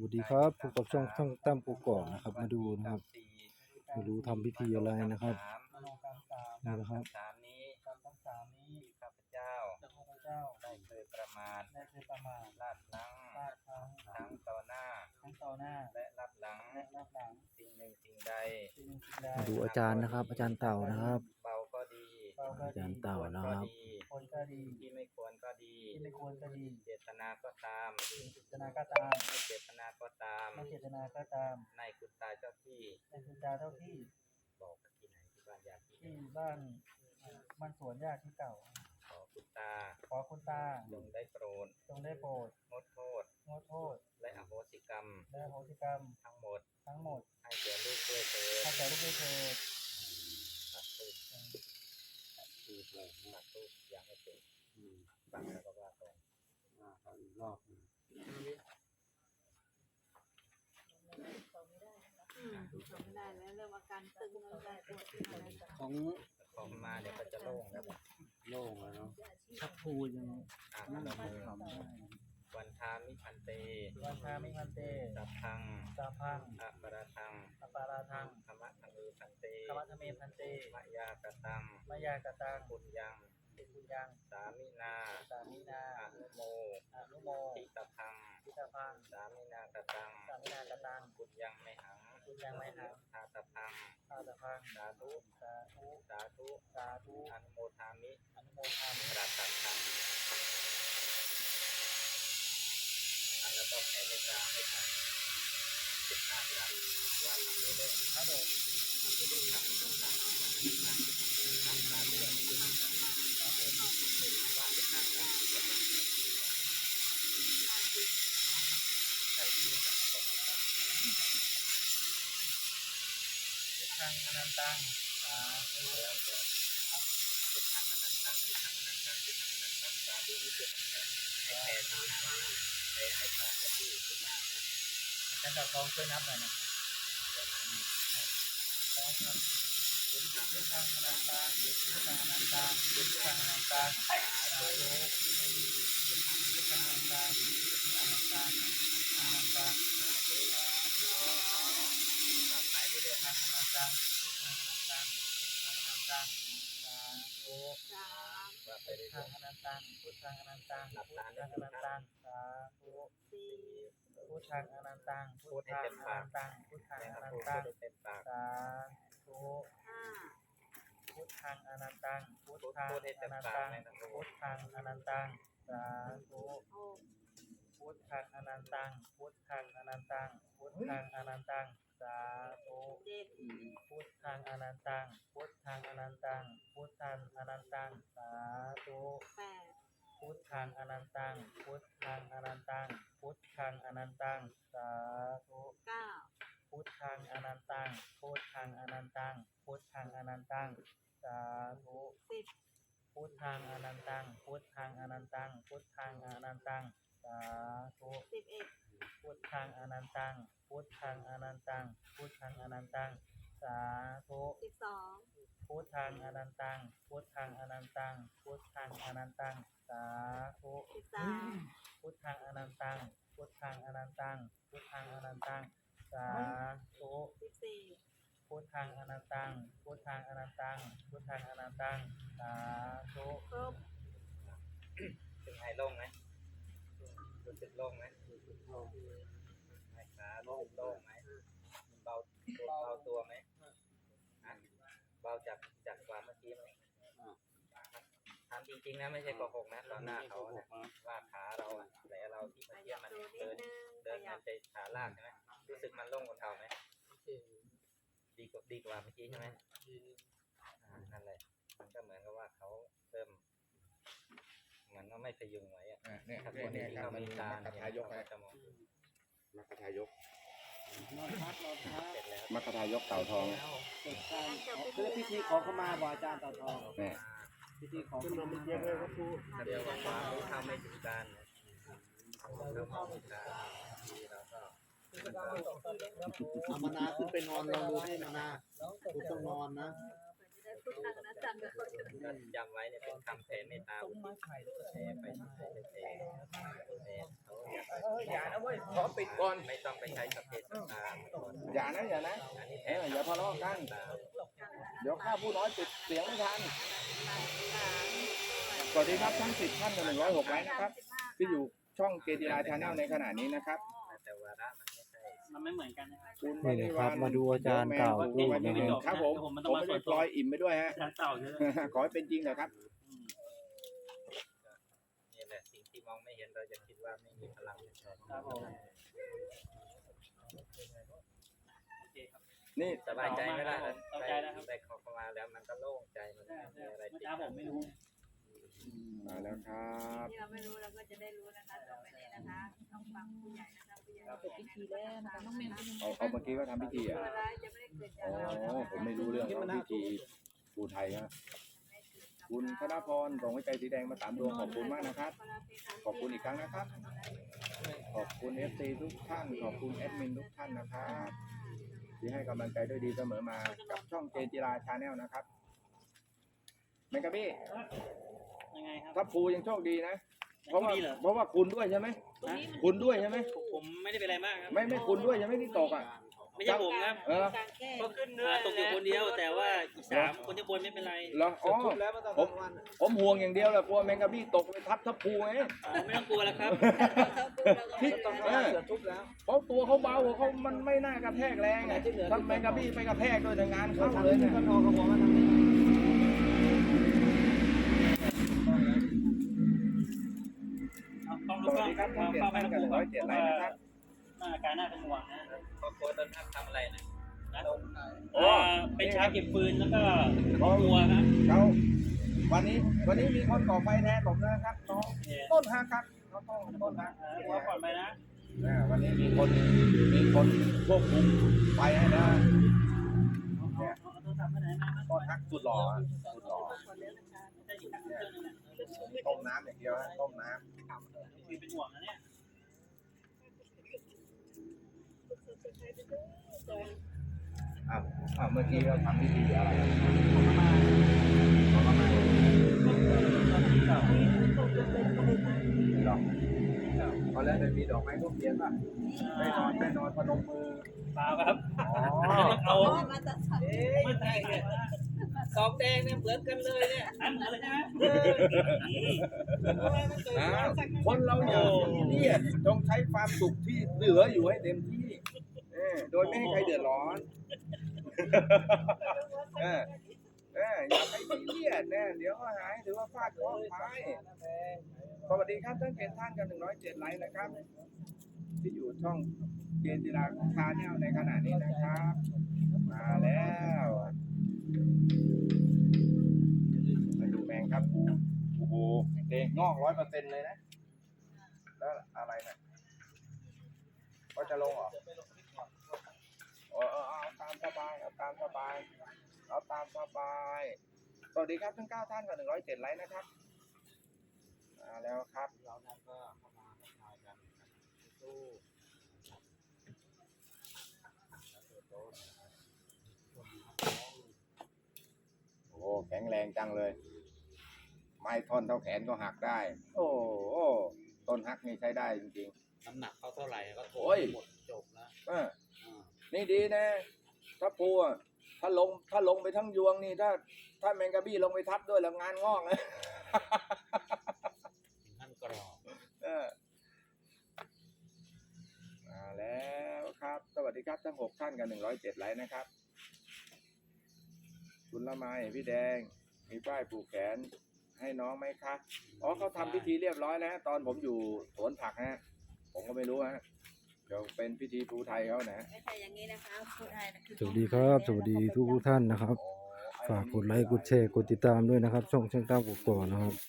วัสดีครับพบกับช่องตั้มกกอกนะครับมาดูนะครับไม่รู้ทำพิธีอะไรนะครับนี่นะครับสามนี้ที่ข้าพเจ้าได้เคยประมาทลาดพลั้งทั้งต่อหน้าและรับหลังสิ่งหนึ่งสิ่งใดมาดูอาจารย์นะครับ อาจารย์เต่านะครับเบาก็ดีอาจารย์เต่านะครับที่ไม่ควรก็ดีเจตนาก็ตามไม่ไม่เจตนาก็ตามในคุณตาเจ้าที่บอกที่ไหนที่บ้านญาติที่ไหนที่บ้านมันสวนญาติที่เก่าขอคุณตาขอคุณตาจงได้โปรดจงได้โปรดงดโทษงดโทษและอโหสิกรรมและอโหสิกรรมทั้งหมด ให้แก่ลูกด้วยเถิดให้แก่ลูกด้วยเถิดตัดทูบยังไม่เป็นฟังแล้วก็ว่าไปเขาไม่ได้แล้วเริ่มอาการตึงแล้วได้ปวดที่ไหนของมาเนี่ยก็จะโล่งแล้วโล่งแล้วเนาะชักพูยังนั่งทำวันทามิพันเตวันทามิพันเตสัพพังสาพังอะปะระทังอปาราทังธรรมะทังเอพันเตธรรมะธเมพันเตมะยากตังมายากตังปุญญังติปุญญังสามินาสามินาอนุโมอนุโมทิตพังทิตาพังสามินากตังสามินากตังปุญญังไม่หังปุญญังไมหังทาตพังอาตาพังสาธุสาธุสาธุสาธุอนุโมทามิอนุโมทามิปราตัดทังแล้วก็แผ่เมตตาให้ท่าน15 ครั้งว่าทำนี้เลยครับผมจะได้ทำต่างๆทำตามเรื่องที่ทำครับผมเป็นว่าเป็นทางการใช้ที่ทำของเราทิศทางอนันตังสาธุแล้วก็ทิศทางอนันตังทิศทางอนันตังทิศทางอนันตังสาธุนี้เป็นให้แผ่ที่ให้พระเจ้าที่ทุกหน้านะท่านเจ้าทองช่วยนับหน่อยนะขอครับทิศทางอนันตังทิศทางอนันตังทิศทางอนันตังสาธุทิศทางอนันตังทิศทางอนันตังอนันตังสาธุไปเรื่อยทางอนันตังทิศทางอนันตังทิศทางอนันตังสาธุสามๆว่าไปพุทเรื่ธัอง ยอนันตังพุทธังอนันตังพุทธังอนันตังสาธุสี่พุทธังอนันตังพุทธังอนันตังพุทธังๆอนันพูดตังได้เต็มปากสาธุห้าพุทธังอนันตังพุทพูดธังได้อเต็มนันปากตังในทั้งพูพุดทธังอนันตังสาธุหกพุทธังอนันตังพุทธังอนันตังพุทธังอนันตังสาธุเจ็ดพุทธังอนันตังพุทธังอนันตังพุทธังอนันตังสาธุแปดพุทธังอนันตังพุทธังอนันตังพุทธังอนันตังสาธุเก้าพุทธังอนันตังพุทธังอนันตังพุทธังอนันตังสาธุสิบพุทธังอนันตังพุทธังอนันตังพุทธังอนันตังสาธุ 11 พุทธังอนันตังพุทธังอนันตังพุทธังอนันตังสาธุ 12 พุทธังอนันตังพุทธังอนันตังพุทธังอนันตังสาธุ 13 พุทธังอนันตังพุทธังอนันตังพุทธังอนันตังสาธุ 14 พุทธังอนันตังพุทธังอนันตังพุทธังอนันตังสาธุครบถึงไอ้โล่งไหมรู้สึกโล่งไหมไอ้ขาโล่งไหมเบาตัวไหมเบาจากกว่าเมื่อกี้ไหมทำจริงๆนะไม่ใช่โกหกนะตอนหน้าเขานะว่าขาเราอะแผลเราที่ขเมื่อกี้ยับมันตัวนิเดิดนนึงขเดินยัมับนจะขาลากใช่ไหมรู้สึกมันโล่งกว่าเก่าไหมดีกว่าเมื่อกี้ใช่ไหมนั่นแหละมันก็เหมือนกับว่าเขาเริ่มเหมือนว่าไม่พยุงไว้อะเนี่ยถ้าคเนี่ยนเนี่ยที่ครับเขามันมีมีตามัคทายกเขาไงจะมองมัคทายกนอนพักนอนพักเสร็จแล้วมัคทายกเต่าทองเสร็จการคือพิธีขอขมาบ่อาจารย์ต่อทองเนี่ยพิธีขอขมาเยอะเลยครับครูเดี๋ยวว่าความรู้เท่าไม่ถึงการนะเราเข้าถึงการที่เราก็เอามานาขึ้นไปนอนลองดูให้มานาคุณต้องนอนนะเพื่อจะได้พุทธังอนัตตังก็เขาจะก็จำไว้เนี่ยเป็นคำแผ่เมตตาอุทิศแผ่ไปแผ่เขาอยากอย่านะเว้ยขอปิดก่อนไม่ต้องไปใช้สเปซตาอย่านะอย่านะอันนี้อย่าทะเลาะกัน เดี๋ยวข้าผู้น้อยปิดเสียงไม่ทัน สวัสดีครับทั้ง10ท่านกับ106ไลค์นะครับ ที่อยู่ช่องเกจิราชาแนลในขณะนี้นะครับแต่วาระมันไม่ใช่มันไม่เหมือนกันนะครับคุณนี่นะครับมาดูอาจารย์กล่าวพูดนะครับครับผมผมไม่ได้ปล่อยอิ่มไปด้วยฮะอาจารย์เต่าเยอะขอให้เป็นจริงเถอะครับนี่แหละสิ่งที่มองไม่เห็นเราจะคิดว่าไม่มีพลังครับผมนี่สบายใจไหมล่ะสบายใจแล้วครับได้ขอเข้ามาแล้วมันก็โล่งใจมันใช่มีอะไรเมื่อติดเช้าผมไม่รู้มาแล้วครับที่เราไม่รู้เราก็จะได้รู้นะคะต่อไปนี้นะคะต้องฟังผู้ใหญ่นะคะผู้ใหญ่จบพิธีแล้วนะคะน้องเมย์เป็นยังไงเอาเมื่อกี้ก็ทำพิธีอ่ะตัวร้ายจะไม่ได้เกิดจากอ๋เรานะอคะผมไม่รู้เรื่องของพิธีภูไทยฮะคุณธนพรส่งหัวใจสีแดงมา3 ดวงขอบคุณมากนะครับ ขอบคุณอีกครั้งนะครับ ขอบคุณ FC ทุกท่าน ขอบคุณแอดมินทุกท่านนะครับที่ให้กำลังใจด้วยดีเสมอมากับช่องเจจิราชาแนลนะครับแมงกะบี้ยังไงครับถ้าภูยังโชคดีนะ เพยัราะงว่าดีเหรอเพราะว่าคุณด้วยใช่ไหมคุณด้วยใช่ไหมผมไม่ได้เป็นอะไรมากครับไม่คุณด้วยใช่ไหมที่ตกอ่ะไม่ใช่ผมครับเออการแก้ก็ขึ้นตกอยู่คนเดียว แต่ว่าอีก3คนที่บนไม่เป็นไรเหรออ๋อผมห่วงอย่างเดียวแหละกลัวแมงกะบี้ตกไปทับทับภูไงไม่ต้องกลัวแล้วครับที่เพราะตัวเขาเบาเขามันไม่น่ากระแทกแรงไงถ้าแมงกะบี้ไปกระแทกด้วยแต่งานเข้าเลยเนี่ยต้องสรู้วัสดีครับท่านเกียรติท่านกัน107ไลค์นะครับอาการน่าเป็นห่วงนะครอบครัวต้นทัพทำอะไรนะเป็นชาเก็บปืนแล้วก็กลัวครับเขาวันนี้มีคนก่อไฟแทนผมนะครับน้องต้นฮักครับน้องต้นฮักกลัวก่อนไปนะวันนี้มีคนควบคุมไฟให้แล้วเอาโทรศัพท์ไปไหนมาต้นฮักสุดหล่อสุดหล่อได้อีกครั้งนึงต้มน้ำอย่างเดียวฮะต้มน้คุยเป็นห่วงนะเนี่ยำเมื่อกี้เราทำพิธีอะไรขอเข้ามาดอกตอนแรกเลยมีดอกไม้ทูบเทียนป่ะไม่นอนพนมมือเปล่าครับอ๋อเอามาตัดสายไม่ใช่เนี่ยสองแดงเนี่ยเหมือนกันเลยเนี่ยอันเหมือนเลยใช่ไหมคนเราอย่าเครียดจงใช้ความสุขที่เหลืออยู่ให้เต็มที่โดยไม่ให้ใครเดือดร้อนอย่าไปเครียดนะเดี๋ยวก็หายถือว่าฟาดเคราะห์ไปสวัสดีครับท่านเกณฑ์ท่านกัน107ไลค์นะครับ ที่อยู่ช่องเกณฑ์จิราชาแนลในขณะนี้นะครับ มาแล้วมาดูแมงครับโอ้โหเด็กงอก100%เลยนะแล้วอะไรนะก็จะลงเหรอเอาตามสบายเอาตามสบายเอาตามสบายสวัสดีครับทั้ง9ท่านกับ107ไลค์นะครับมาแล้วครับเราก็เข้ามาทักทายกันสู้โอ้แข็งแรงจังเลย ไม้ท่อนเท่าแขนก็หักได้ โอ้ต้นหักนี่ใช้ได้จริงน้ำหนักเขาเท่าไหร่ก็โถโอ้ยหมดจบแล้วๆนี่ดีนะถ้าปูอะถ้าลงไปทั้งยวงนี่ถ้าแมงกะบี้ลงไปทับด้วยแล้วงานงอกนะท่านกรอบมาแล้วครับ สวัสดีครับทั้ง6ท่านกัน107ไลค์นะครับ คุณละไมพี่แดงมีป้ายผูกแขนให้น้องไหมคะอ๋อเขาทำพิธีเรียบร้อยแล้วตอนผมอยู่สวนผักฮะผมก็ไม่รู้ฮะเดี๋ยวเป็นพิธีภูไทยเขานะไม่ใช่อย่างนี้นะคะพูดไทยนะคือสวัสดีครับสวัสดีทุกท่านนะครับ ฝากกดไลค์กดแชร์กดติดตามด้วยนะครับ ช่องช่างตั้มกกอกนะครับ